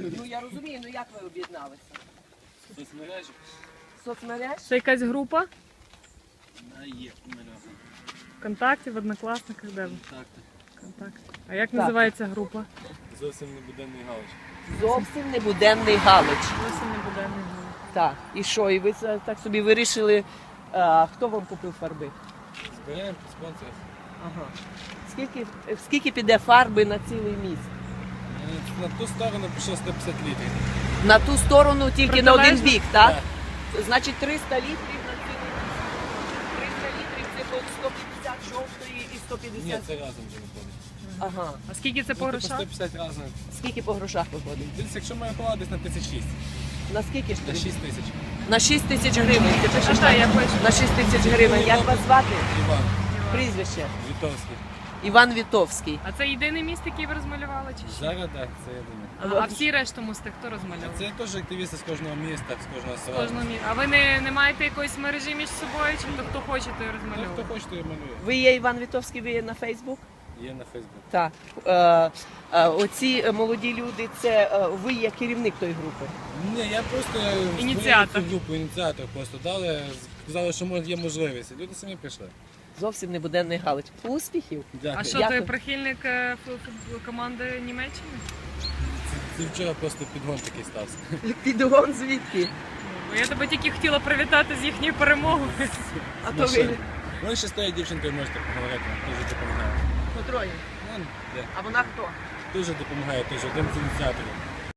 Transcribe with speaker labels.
Speaker 1: Ну я розумію, ну як ви об'єдналися?
Speaker 2: Соцмережі?
Speaker 1: Соцмереж?
Speaker 3: Це якась група?
Speaker 2: Є мережа.
Speaker 3: ВКонтакті, в Однокласниках, де ви?
Speaker 2: Контакти.
Speaker 3: ВКонтакті. А як називається група?
Speaker 2: Зовсім не буденний галич.
Speaker 1: Зовсім небуденний галич.
Speaker 3: Зовсім не буде ні.
Speaker 1: Так. І що? І ви це так собі вирішили, хто вам купив фарби?
Speaker 2: Збираємо спонсорів.
Speaker 1: Ага. Скільки піде фарби на цілий міст?
Speaker 2: На ту сторону пішло 150 літрів.
Speaker 1: На ту сторону тільки на один
Speaker 3: Протилежно?
Speaker 1: бік, так?
Speaker 2: Так.
Speaker 1: Значить 300 літрів на цілий міст. 300 літрів це по 150 жовтої і 150.
Speaker 2: Ні, це разом вже виходить.
Speaker 1: Ага.
Speaker 3: А скільки це по
Speaker 2: По
Speaker 3: грошах?
Speaker 2: 150 разом.
Speaker 1: Скільки по грошах виходить?
Speaker 2: Десь, якщо ми рахували, десь на 1006.
Speaker 1: На скільки ж?
Speaker 2: На 6 тисяч.
Speaker 1: На 6 тисяч гривень. Ти пишеш
Speaker 3: А, так, я пишу.
Speaker 1: на 6 тисяч гривень. Як вас звати?
Speaker 2: Іван
Speaker 1: Прізвище?
Speaker 2: Вітовський.
Speaker 1: Іван Вітовський.
Speaker 3: А це єдиний міст, який ви розмалювали, чи що?
Speaker 2: Зараз так, це я думаю.
Speaker 3: А всі решту мости хто розмальовував?
Speaker 2: Це теж активісти з кожного міста, з кожного
Speaker 3: З
Speaker 2: села.
Speaker 3: кожного міста. А ви не маєте якоїсь мережі між собою, чи хто хоче, той
Speaker 2: Ну,
Speaker 3: розмальовує?
Speaker 2: хто хоче, той малює.
Speaker 1: Ви є Іван Вітовський, ви є на Фейсбук?
Speaker 2: Є на Фейсбук.
Speaker 1: Так. Оці молоді люди, це ви є керівник тої групи.
Speaker 2: Ні, я просто
Speaker 3: Ініціатор.
Speaker 2: створив цю групу, ініціатор просто дали, сказали, що є можливість. І люди самі прийшли.
Speaker 1: Зовсім небуденний галич. Успіхів.
Speaker 2: Дякую.
Speaker 3: А що,
Speaker 1: Дякую.
Speaker 3: ти прихильник команди Німеччини?
Speaker 2: Це вчора просто підгон такий стався.
Speaker 1: Підгон звідки?
Speaker 3: Бо я тебе тільки хотіла привітати з їхньою перемогою.
Speaker 1: А то ви
Speaker 2: Вони ще з тією дівчинкою можете поговорити, вона дуже допомагає.
Speaker 1: по троє.
Speaker 2: Вон, де?
Speaker 1: А вона хто?
Speaker 2: Дуже допомагає, теж один з ініціаторів.